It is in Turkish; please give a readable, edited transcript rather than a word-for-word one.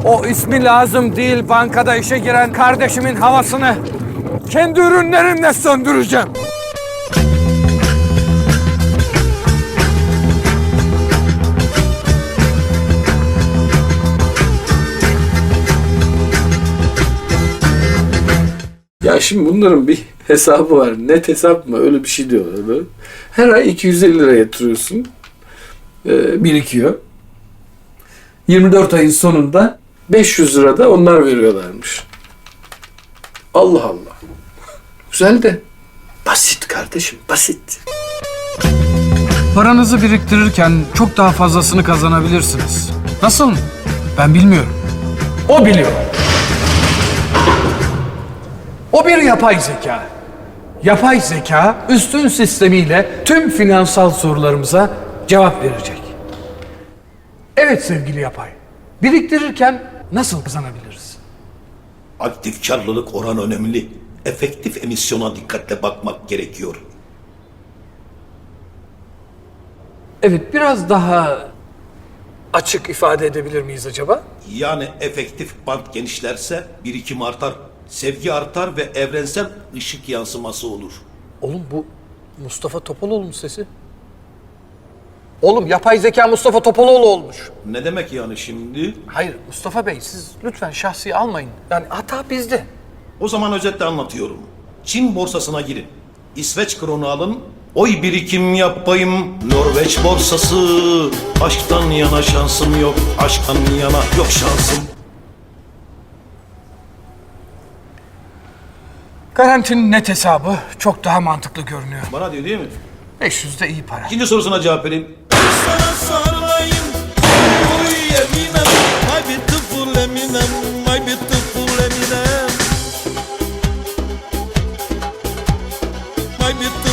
O ismi lazım değil bankada işe giren kardeşimin havasını kendi ürünlerimle söndüreceğim. Ya şimdi bunların bir hesabı var. Net hesap mı? Öyle bir şey diyorlar böyle. Her ay 250 lira yatırıyorsun. Birikiyor. 24 ayın sonunda 500 lira da onlar veriyorlarmış. Allah Allah. Güzel de basit kardeşim, basit. Paranızı biriktirirken çok daha fazlasını kazanabilirsiniz. Nasıl mı? Ben bilmiyorum. O biliyor. O bir yapay zeka. Yapay zeka üstün sistemiyle tüm finansal sorularımıza cevap verecek. Evet sevgili yapay. Biriktirirken nasıl kazanabiliriz? Aktif karlılık oranı önemli. Efektif emisyona dikkatle bakmak gerekiyor. Evet, biraz daha açık ifade edebilir miyiz acaba? Yani efektif bant genişlerse birikim artar, sevgi artar ve evrensel ışık yansıması olur. Oğlum bu Mustafa Topaloğlu'nun sesi. Oğlum yapay zeka Mustafa Topaloğlu olmuş. Ne demek yani şimdi? Hayır Mustafa Bey siz lütfen şahsi almayın. Yani hata bizde. O zaman özetle anlatıyorum. Çin borsasına girin. İsveç kronu alın. Oy birikim yapayım. Norveç borsası. Aşktan yana şansım yok. Aşktan yana yok şansım. Garantinin net hesabı çok daha mantıklı görünüyor. Bana diyor değil mi? 500 de iyi para. İkinci sorusuna cevap vereyim. Sana sarılayım, oy Eminem, my beautiful Eminem, my beautiful Eminem, my beautiful